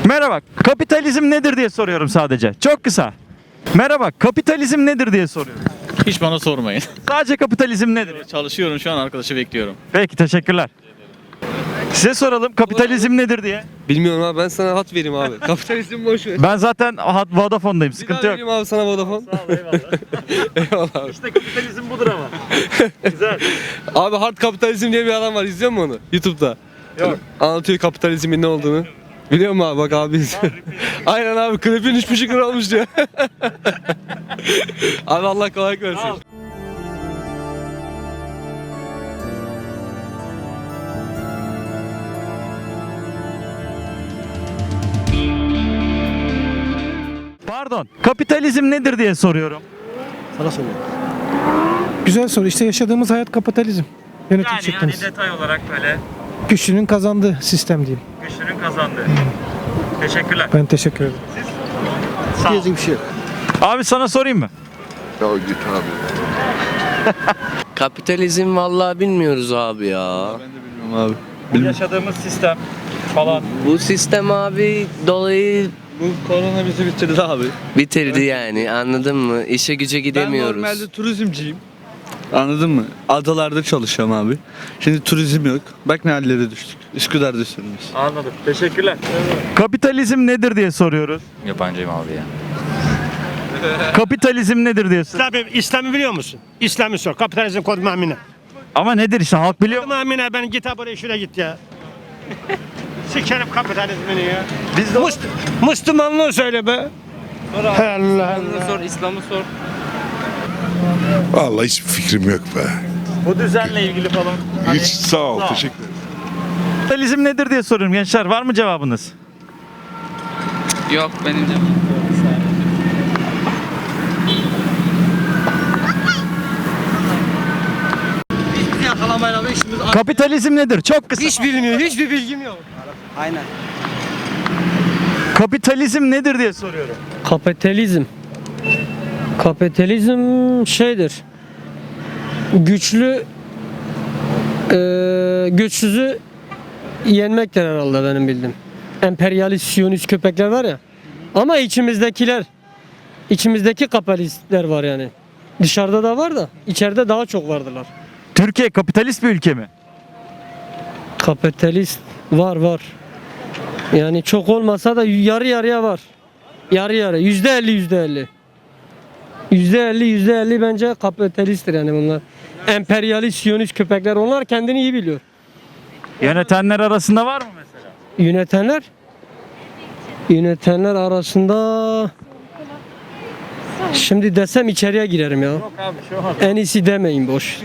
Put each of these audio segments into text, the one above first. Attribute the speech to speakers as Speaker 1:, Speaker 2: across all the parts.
Speaker 1: Merhaba, kapitalizm nedir diye soruyorum sadece. Çok kısa. Merhaba, kapitalizm nedir diye soruyorum.
Speaker 2: Hiç bana sormayın.
Speaker 1: Sadece kapitalizm nedir?
Speaker 2: Çalışıyorum şu an, arkadaşı bekliyorum.
Speaker 1: Peki, teşekkürler. Size soralım, kapitalizm nedir diye.
Speaker 3: Bilmiyorum abi, ben sana hat vereyim abi. Kapitalizm boş ver.
Speaker 1: Ben zaten Vodafone'dayım,
Speaker 3: Bir daha
Speaker 1: sıkıntı yok.
Speaker 3: vereyim abi sana Vodafone.
Speaker 1: Sağ ol, eyvallah.
Speaker 3: Eyvallah abi.
Speaker 1: İşte kapitalizm budur ama. Güzel.
Speaker 3: Abi Hard Kapitalizm diye bir adam var, izliyor musun onu? YouTube'da.
Speaker 1: Yok.
Speaker 3: Anlatıyor kapitalizmin ne olduğunu. Biliyor musun abi, bak abi izliyor. Aynen abi, klipin 3,5 lira olmuş diyor. Abi Allah kolaylık versin.
Speaker 1: Pardon, kapitalizm nedir diye soruyorum.
Speaker 3: Sana soruyorum.
Speaker 4: Güzel soru. İşte yaşadığımız hayat kapitalizm. Yönetim şeklimiz.
Speaker 1: detay olarak böyle
Speaker 4: Güçlünün kazandığı sistem diyeyim.
Speaker 1: güçlünün kazandığı. Teşekkürler.
Speaker 4: Ben teşekkür ederim.
Speaker 1: Sağ ol.
Speaker 3: Diyecek bir şey yok.
Speaker 1: Abi sana sorayım mı?
Speaker 5: Ya git abi.
Speaker 6: Kapitalizm vallahi bilmiyoruz abi ya.
Speaker 3: Ben de bilmiyorum abi.
Speaker 1: Bu yaşadığımız sistem falan.
Speaker 6: Bu sistem abi dolayı
Speaker 3: Bu korona bizi bitirdi abi.
Speaker 6: bitirdi yani, anladın mı? İşe güce gidemiyoruz.
Speaker 7: Ben normalde turizmciyim. Anladın mı? Adalarda çalışıyorum abi. Şimdi turizm yok. Bak ne hallere düştük. Üsküdar'da sürmüş.
Speaker 1: Anladım. Teşekkürler. Kapitalizm nedir diye soruyoruz.
Speaker 2: Yabancıyım abi ya.
Speaker 1: Kapitalizm nedir diye soruyoruz.
Speaker 8: İslam'ı biliyor musun? İslam'ı sor. Kapitalizm kod mamine.
Speaker 1: Ama nedir işte, halk biliyor mu?
Speaker 8: Mamine, ben git ha buraya şuraya git ya. Sikerim kapitalizmini ya.
Speaker 1: Biz de
Speaker 8: Müslümanlığı söyle be. Allah Allah.
Speaker 6: Sor, İslam'ı sor.
Speaker 5: Vallahi hiçbir fikrim yok be.
Speaker 1: bu düzenle ilgili falan.
Speaker 5: Hiç sağ ol,
Speaker 1: Sağ ol.
Speaker 5: teşekkür ederim.
Speaker 1: Kapitalizm nedir diye soruyorum gençler. Var mı cevabınız?
Speaker 6: Yok benim de.
Speaker 1: Kapitalizm nedir? Çok kısa.
Speaker 3: Hiç bilmiyor, hiçbir bilgim yok.
Speaker 1: Kapitalizm nedir diye soruyorum.
Speaker 9: Kapitalizm şeydir. Güçlü güçsüzü yenmektir herhalde benim bildiğim. Emperyalist, siyonist köpekler var ya. Ama içimizdeki kapitalistler var yani. Dışarıda da var da içeride daha çok vardılar.
Speaker 1: Türkiye kapitalist bir ülke mi?
Speaker 9: Kapitalist var. Yani çok olmasa da yarı yarıya var. Yarı yarı. %50. %50 bence kapitalisttir yani bunlar. Emperyalist, siyonist köpekler, onlar kendini iyi biliyor.
Speaker 1: Yönetenler arasında var mı mesela?
Speaker 9: Yönetenler arasında şimdi desem içeriye girerim ya.
Speaker 1: Yok abi, şu an.
Speaker 9: En iyisi demeyin, boş.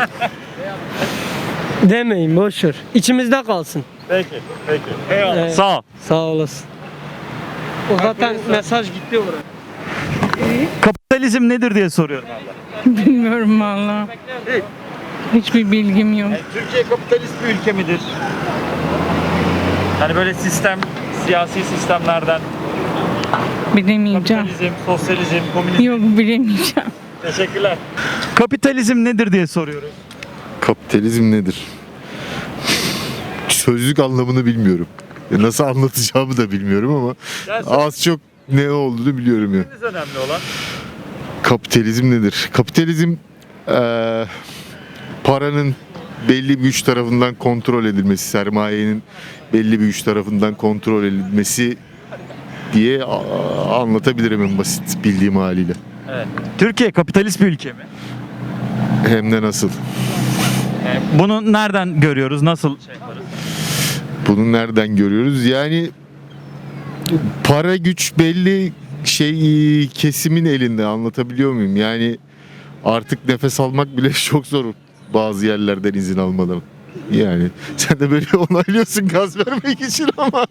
Speaker 9: Demeyin, boş ver. İçimizde kalsın.
Speaker 1: Peki. Eyvallah.
Speaker 9: Evet.
Speaker 1: Sağ ol.
Speaker 9: Sağ olasın. O zaten mesaj gitti oraya.
Speaker 1: Kapitalizm nedir diye soruyorum abla.
Speaker 10: Bilmiyorum valla. Hiçbir bilgim yok.
Speaker 1: Türkiye kapitalist bir ülke midir? Hani böyle siyasi sistemlerden
Speaker 10: Bilemeyeceğim.
Speaker 1: kapitalizm, sosyalizm, komünizm.
Speaker 10: Yok, bilemeyeceğim.
Speaker 1: Teşekkürler. Kapitalizm nedir diye soruyoruz.
Speaker 5: Kapitalizm nedir? Sözlük anlamını bilmiyorum. Nasıl anlatacağımı da bilmiyorum ama
Speaker 1: Yani
Speaker 5: az çok ne olduğunu biliyorum ya.
Speaker 1: sözleriniz önemli olan.
Speaker 5: Kapitalizm nedir? Kapitalizm paranın belli bir güç tarafından kontrol edilmesi, sermayenin belli bir güç tarafından kontrol edilmesi diye anlatabilirim en basit bildiğim haliyle.
Speaker 1: Evet. Türkiye kapitalist bir ülke mi?
Speaker 5: Hem de nasıl.
Speaker 1: Bunu nereden görüyoruz? Nasıl şey yaparız?
Speaker 5: Bunu nereden görüyoruz? Yani para güç belli kesimin elinde, anlatabiliyor muyum? Yani artık nefes almak bile çok zor bazı yerlerden izin almadan. Yani sen de böyle onaylıyorsun gaz vermek için ama.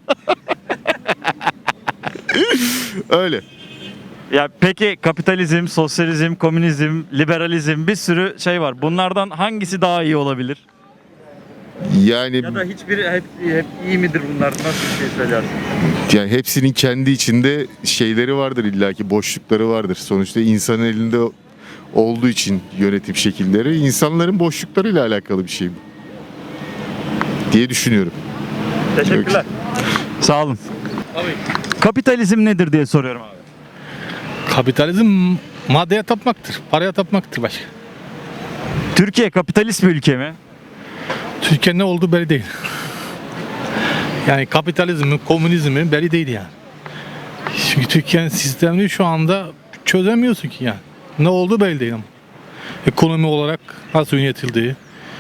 Speaker 5: Öyle.
Speaker 1: Ya peki kapitalizm, sosyalizm, komünizm, liberalizm, bir sürü şey var. Bunlardan hangisi daha iyi olabilir?
Speaker 5: Yani
Speaker 1: Ya da hiçbiri hep iyi midir bunlar? Nasıl bir şey söylersin?
Speaker 5: yani hepsinin kendi içinde şeyleri vardır, illaki boşlukları vardır. Sonuçta insanın elinde olduğu için yönetim şekilleri insanların boşluklarıyla alakalı bir şey bu diye düşünüyorum.
Speaker 1: Teşekkürler. Sağ olun. Kapitalizm nedir diye soruyorum abi.
Speaker 11: Kapitalizm maddeye tapmaktır. Paraya tapmaktır başka.
Speaker 1: Türkiye kapitalist bir ülke mi?
Speaker 11: Türkiye ne olduğu belli değil. Yani kapitalizmin, komünizmin belli değil yani. Çünkü Türkiye'nin sistemini şu anda çözemiyorsun ki yani. Ne olduğu belli değil ama. Ekonomi olarak nasıl yönetildiği,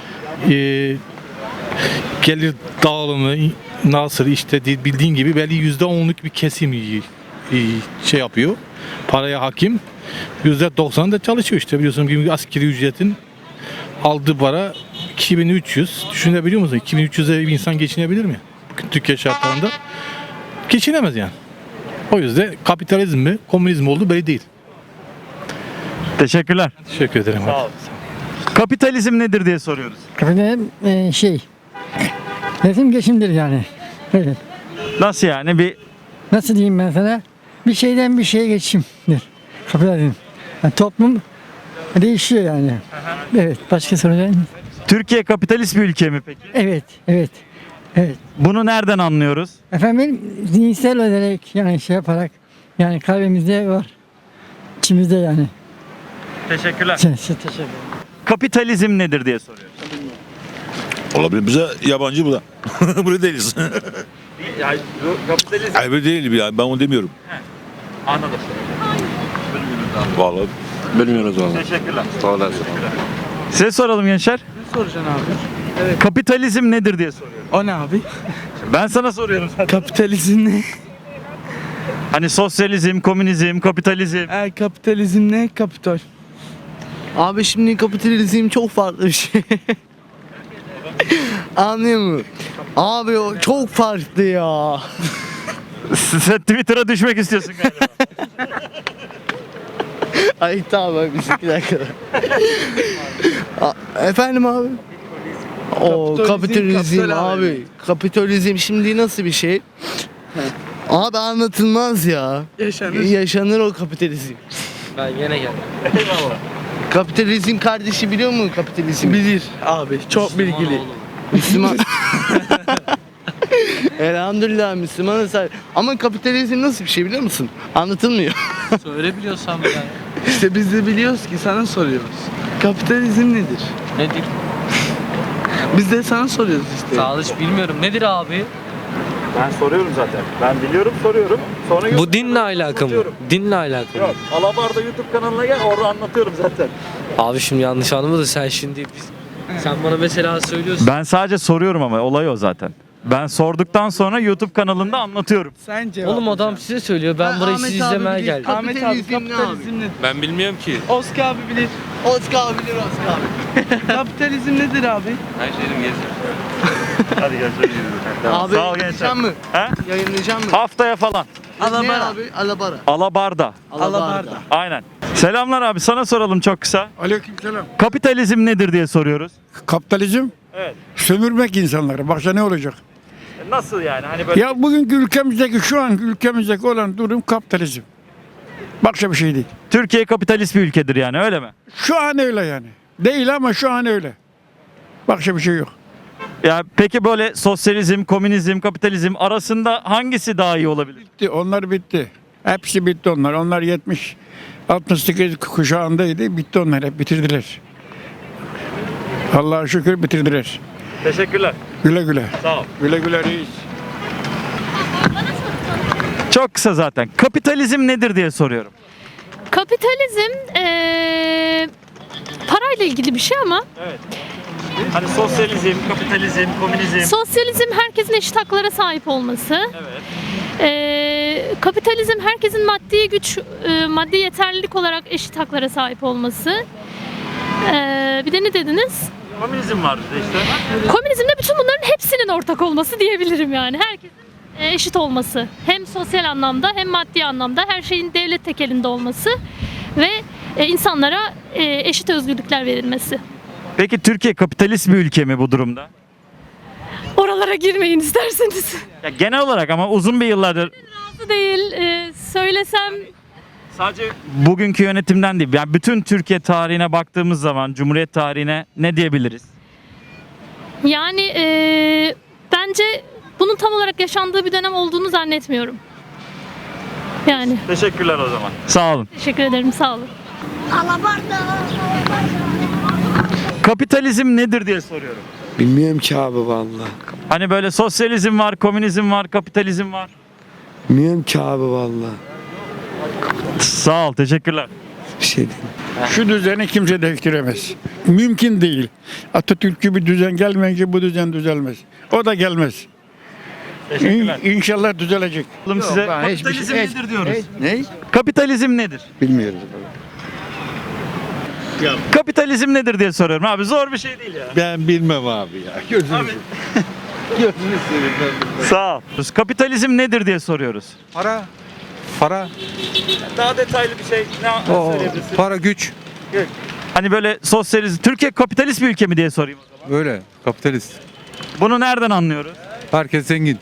Speaker 11: gelir dağılımı nasıl işte bildiğin gibi belli %10'luk bir kesim şey yapıyor. Paraya hakim. %90 da çalışıyor işte biliyorsun gibi askeri ücretin aldığı para 2300. Düşünebiliyor musun? 2300'e bir insan geçinebilir mi? Bugün Türkiye şartlarında geçinemez yani. O yüzden kapitalizm mi, komünizm olduğu belli değil.
Speaker 1: Teşekkürler.
Speaker 11: Teşekkür ederim.
Speaker 1: Sağ ol. Kapitalizm nedir diye soruyoruz.
Speaker 4: Kapitalizm resim geçimdir yani. Evet.
Speaker 1: Nasıl yani? Bir
Speaker 4: Nasıl diyeyim ben sana? Bir şeyden bir şeye geçimdir. Kapitalizm. Yani toplum değişiyor yani. Evet. Başka soracağım.
Speaker 1: Türkiye kapitalist bir ülke mi peki?
Speaker 4: Evet. Evet. Evet.
Speaker 1: Bunu nereden anlıyoruz?
Speaker 4: Efendim zihinsel olarak yani şey yaparak yani kalbimizde var. İçimizde yani.
Speaker 1: Teşekkürler.
Speaker 4: Teşekkür ederim.
Speaker 1: Kapitalizm nedir diye soruyoruz.
Speaker 12: Olabilir. Bize yabancı bu da. Burada değiliz.
Speaker 1: Yani kapitalizm
Speaker 12: Hayır değil ya. Ben onu demiyorum.
Speaker 1: anladım.
Speaker 12: Vallahi.
Speaker 3: Bilmiyoruz valla.
Speaker 1: Teşekkürler.
Speaker 3: Sağ olasın.
Speaker 1: Size soralım gençler.
Speaker 7: Ne soracaksın abi?
Speaker 1: Kapitalizm nedir diye soruyorum.
Speaker 7: O ne abi?
Speaker 1: Ben sana soruyorum zaten.
Speaker 7: Kapitalizm ne?
Speaker 1: Hani sosyalizm, komünizm, kapitalizm.
Speaker 7: Kapitalizm ne? Kapital. Abi şimdi kapitalizm çok farklı bir şey. Anlıyor musun? Abi o çok farklı ya.
Speaker 1: Sen Twitter'a düşmek istiyorsun galiba.
Speaker 7: Ay tamam bir dakika. Efendim abi? O kapitalizm abi. Kapitalizm şimdi nasıl bir şey? Abi anlatılmaz ya. Yaşanır o kapitalizm.
Speaker 9: Ben gene geldim.
Speaker 7: Kapitalizm kardeşi biliyor mu kapitalizm? Bilir abi. Çok bilgili. Müslüman. Elhamdülillah Müslümanız. Ama kapitalizm nasıl bir şey biliyor musun? Anlatılmıyor.
Speaker 9: Söyle biliyorsan yani.
Speaker 7: İşte biz de biliyoruz ki sana soruyoruz. Kapitalizm nedir?
Speaker 9: Nedir?
Speaker 7: Biz de sana soruyoruz işte.
Speaker 9: Sağ ol, hiç bilmiyorum. Nedir abi?
Speaker 1: Ben soruyorum zaten. Ben biliyorum soruyorum. Sonra
Speaker 9: Bu dinle alakalı mı? Dinle alakalı mı?
Speaker 1: Yok. Alabarda YouTube kanalına gel orada anlatıyorum zaten.
Speaker 9: Abi şimdi yanlış anlama sen şimdi sen bana mesela söylüyorsun.
Speaker 1: Ben sadece soruyorum ama olay o zaten. Ben sorduktan sonra YouTube kanalında anlatıyorum.
Speaker 7: Sen cevap.
Speaker 9: Oğlum adam size söylüyor. Ben burayı sizi izlemeye geldim.
Speaker 7: Ahmet abi kapitalizm nedir?
Speaker 11: Ben bilmiyorum ki.
Speaker 7: Oscar abi bilir. Oscar abi bilir Oscar abi. Kapitalizm nedir abi?
Speaker 11: Her şeyim gezir.
Speaker 1: Hadi görüşürüz.
Speaker 7: Abi
Speaker 1: Sağ ol gençler.
Speaker 7: yayınlayacak mı?
Speaker 1: He?
Speaker 7: Yayınlayacak mı?
Speaker 1: Haftaya falan.
Speaker 7: Ne abi? Alabara.
Speaker 1: Alabarda.
Speaker 7: Alabarda.
Speaker 1: Aynen. Selamlar abi sana soralım çok kısa.
Speaker 8: Aleykümselam.
Speaker 1: Kapitalizm nedir diye soruyoruz.
Speaker 8: Kapitalizm
Speaker 1: Evet.
Speaker 8: sömürmek insanları. Başka ne olacak?
Speaker 1: Nasıl yani? Hani böyle
Speaker 8: Ya bugünkü ülkemizdeki şu an ülkemizdeki olan durum kapitalizm. Başka bir şey değil.
Speaker 1: Türkiye kapitalist bir ülkedir yani öyle mi?
Speaker 8: Şu an öyle yani. Değil ama şu an öyle. Başka bir şey yok.
Speaker 1: Ya peki böyle sosyalizm, komünizm, kapitalizm arasında hangisi daha iyi olabilir?
Speaker 8: Bitti. Onlar bitti. Hepsi bitti onlar. Onlar 68 kuşağındaydı. Bitti onlar. Hep bitirdiler. Allah'a şükür bitirdiler.
Speaker 1: Teşekkürler.
Speaker 8: Güle güle.
Speaker 1: Sağ ol.
Speaker 8: Güle güle reis.
Speaker 1: Çok kısa zaten. Kapitalizm nedir diye soruyorum.
Speaker 10: Kapitalizm parayla ilgili bir şey ama
Speaker 1: Evet. Hani sosyalizm, kapitalizm, komünizm.
Speaker 10: sosyalizm herkesin eşit haklara sahip olması.
Speaker 1: Evet.
Speaker 10: Kapitalizm herkesin maddi güç, maddi yeterlilik olarak eşit haklara sahip olması. Bir de ne dediniz?
Speaker 1: Komünizm var bir de işte.
Speaker 10: Komünizmde bütün bunların hepsinin ortak olması diyebilirim yani. Herkesin eşit olması. Hem sosyal anlamda hem maddi anlamda her şeyin devlet tekelinde olması ve insanlara eşit özgürlükler verilmesi.
Speaker 1: Peki Türkiye kapitalist bir ülke mi bu durumda?
Speaker 10: Oralara girmeyin isterseniz.
Speaker 1: Ya genel olarak ama uzun bir yıllardır
Speaker 10: Razı değil. Söylesem
Speaker 1: sadece bugünkü yönetimden değil. Yani bütün Türkiye tarihine baktığımız zaman Cumhuriyet tarihine ne diyebiliriz?
Speaker 10: yani bence bunun tam olarak yaşandığı bir dönem olduğunu zannetmiyorum. Yani
Speaker 1: Teşekkürler o zaman. Sağ olun.
Speaker 10: teşekkür ederim, sağ olun.
Speaker 1: Kapitalizm nedir diye soruyorum.
Speaker 3: Bilmiyorum ki abi vallahi.
Speaker 1: Hani böyle sosyalizm var, komünizm var, kapitalizm var.
Speaker 3: Bilmiyorum ki abi vallahi.
Speaker 1: Sağ ol, teşekkürler.
Speaker 3: Bir şey değil.
Speaker 8: Şu düzeni kimse değiştiremez. Mümkün değil. Atatürk'ü bir düzen gelmeyince bu düzen düzelmez. O da gelmez.
Speaker 1: Teşekkürler.
Speaker 8: İnşallah düzelecek.
Speaker 1: Bakalım size
Speaker 7: ben hiçbir
Speaker 1: kapitalizm
Speaker 7: şey-
Speaker 1: nedir diyoruz.
Speaker 7: Ne?
Speaker 1: Kapitalizm nedir?
Speaker 3: Bilmiyoruz.
Speaker 1: Kapitalizm nedir diye soruyorum abi. Zor bir şey değil ya.
Speaker 12: Ben bilmem abi ya. Gözünü
Speaker 1: Sağ ol. Kapitalizm nedir diye soruyoruz.
Speaker 13: Para,
Speaker 1: Daha detaylı bir şey ne söyleyebilirsin?
Speaker 13: para güç.
Speaker 1: Hani böyle sosyalizm, Türkiye kapitalist bir ülke mi diye sorayım o zaman.
Speaker 13: Öyle, kapitalist.
Speaker 1: Bunu nereden anlıyoruz?
Speaker 13: Herkes zengin.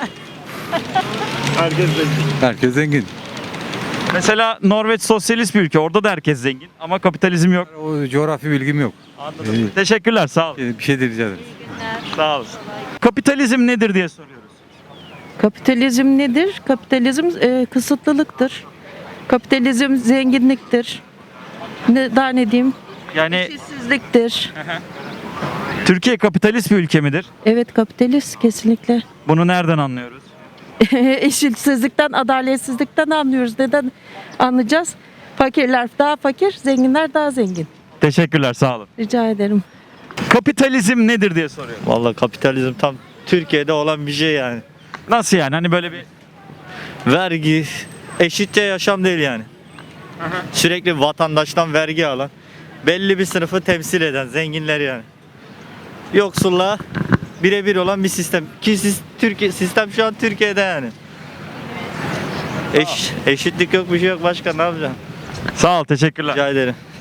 Speaker 1: Herkes zengin.
Speaker 13: Herkes zengin.
Speaker 1: Mesela Norveç sosyalist bir ülke. Orada da herkes zengin ama kapitalizm yok.
Speaker 13: O coğrafi bilgim yok.
Speaker 1: Anladım. Teşekkürler, sağ ol.
Speaker 13: Bir şey de rica ederim.
Speaker 1: Sağ olasın. Kapitalizm nedir diye soruyoruz.
Speaker 9: Kapitalizm nedir? Kapitalizm kısıtlılıktır. Kapitalizm zenginliktir. Daha ne diyeyim?
Speaker 1: Yani
Speaker 9: İşsizliktir.
Speaker 1: Türkiye kapitalist bir ülke midir?
Speaker 9: Evet, kapitalist kesinlikle.
Speaker 1: Bunu nereden anlıyoruz?
Speaker 9: Eşitsizlikten, adaletsizlikten anlıyoruz. Neden anlayacağız? Fakirler daha fakir, zenginler daha zengin.
Speaker 1: Teşekkürler, sağ olun.
Speaker 9: Rica ederim.
Speaker 1: Kapitalizm nedir diye soruyorum.
Speaker 2: Vallahi kapitalizm tam Türkiye'de olan bir şey yani.
Speaker 1: Nasıl yani? Hani böyle bir
Speaker 2: Vergi, eşitçe yaşam değil yani. Sürekli vatandaştan vergi alan, belli bir sınıfı temsil eden zenginler yani. Yoksulla birebir olan bir sistem. Ki Türkiye sistem şu an Türkiye'de yani. Eşitlik yok, bir şey yok, başka ne yapacağım?
Speaker 1: sağ ol, teşekkürler.
Speaker 2: Rica ederim.